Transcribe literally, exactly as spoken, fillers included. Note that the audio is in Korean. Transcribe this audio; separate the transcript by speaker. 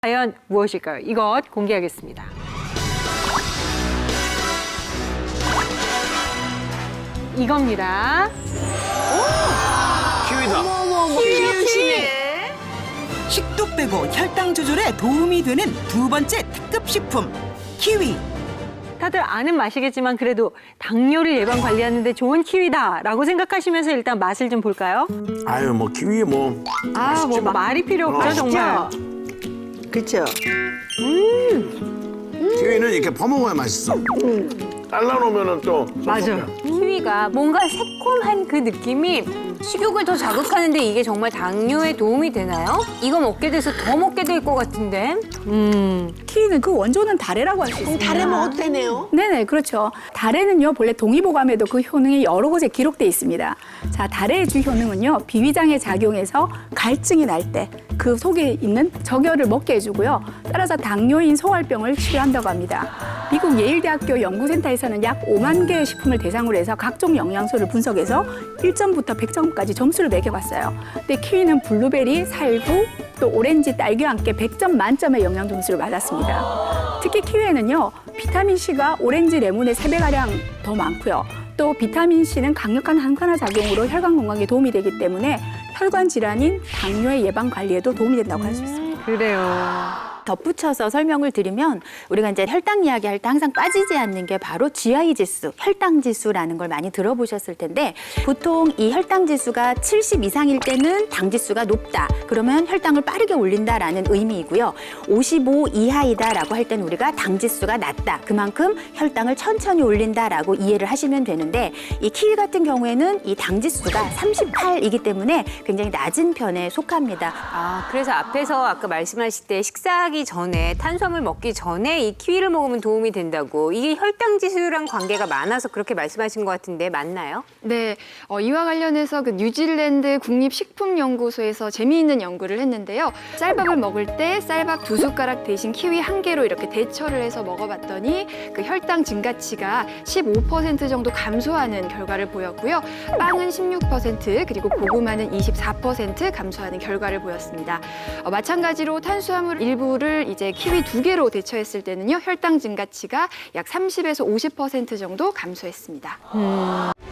Speaker 1: 과연 무엇일까요? 이것 공개하겠습니다. 이겁니다.
Speaker 2: 키위다.
Speaker 1: 키위네.
Speaker 3: 식도 빼고 혈당 조절에 도움이 되는 두 번째 특급 식품 키위.
Speaker 1: 다들 아는 맛이겠지만 그래도 당뇨를 예방 관리하는 데 좋은 키위다라고 생각하시면서 일단 맛을 좀 볼까요?
Speaker 2: 아유 뭐 키위 뭐.
Speaker 1: 아, 뭐 말이 필요 없죠,
Speaker 2: 어,
Speaker 1: 정말.
Speaker 4: 그렇죠.
Speaker 2: 키위는 이렇게 퍼먹어야 맛있어. 잘라놓으면은 또.
Speaker 1: 맞아.
Speaker 5: 키위가 뭔가 새콤한 그 느낌이 식욕을 더 자극하는데 이게 정말 당뇨에 도움이 되나요? 이거 먹게 돼서 더 먹게 될 것 같은데.
Speaker 1: 음.
Speaker 6: 키위는 그 원조는 다래라고 할 수 있습니다.
Speaker 4: 달에 먹어도 되네요.
Speaker 6: 네네, 그렇죠. 다래는요, 본래 동의보감에도 그 효능이 여러 곳에 기록돼 있습니다. 자, 다래의 주 효능은요, 비위장에 작용해서 갈증이 날 때 그 속에 있는 적혈을 먹게 해주고요. 따라서 당뇨인 소활병을 치료한다고 합니다. 미국 예일대학교 연구센터에서는 약 오만 개의 식품을 대상으로 해서 각종 영양소를 분석해서 일 점부터 백 점까지 점수를 매겨봤어요. 근데 키위는 블루베리, 살구, 또 오렌지, 딸기와 함께 백 점 만점의 영양 점수를 받았습니다. 특히 키위에는요, 비타민C가 오렌지, 레몬의 세 배가량 더 많고요. 또 비타민C는 강력한 항산화 작용으로 혈관 건강에 도움이 되기 때문에 혈관 질환인 당뇨의 예방 관리에도 도움이 된다고 할 수 있습니다.
Speaker 1: 그래요.
Speaker 7: 덧붙여서 설명을 드리면 우리가 이제 혈당 이야기할 때 항상 빠지지 않는 게 바로 지아이 지수, 혈당 지수라는 걸 많이 들어보셨을 텐데 보통 이 혈당 지수가 칠십 이상일 때는 당 지수가 높다. 그러면 혈당을 빠르게 올린다라는 의미이고요. 오십오 이하이다라고 할 때는 우리가 당 지수가 낮다. 그만큼 혈당을 천천히 올린다라고 이해를 하시면 되는데 이 키위 같은 경우에는 이 당 지수가 삼십팔이기 때문에 굉장히 낮은 편에 속합니다.
Speaker 5: 아, 그래서 앞에서 아까 말씀하실 때 식사하기 전에 탄수화물 먹기 전에 이 키위를 먹으면 도움이 된다고. 이게 혈당 지수랑 관계가 많아서 그렇게 말씀하신 것 같은데 맞나요?
Speaker 8: 네, 어, 이와 관련해서 그 뉴질랜드 국립식품연구소에서 재미있는 연구를 했는데요. 쌀밥을 먹을 때 쌀밥 두 숟가락 대신 키위 한 개로 이렇게 대처를 해서 먹어봤더니 그 혈당 증가치가 십오 퍼센트 정도 감소하는 결과를 보였고요. 빵은 십육 퍼센트 그리고 고구마는 이십사 퍼센트 감소하는 결과를 보였습니다. 어, 마찬가지로 탄수화물 일부를 이제 키위 두 개로 대처했을 때는요. 혈당 증가치가 약 삼십에서 오십 퍼센트 정도 감소했습니다.
Speaker 1: 음.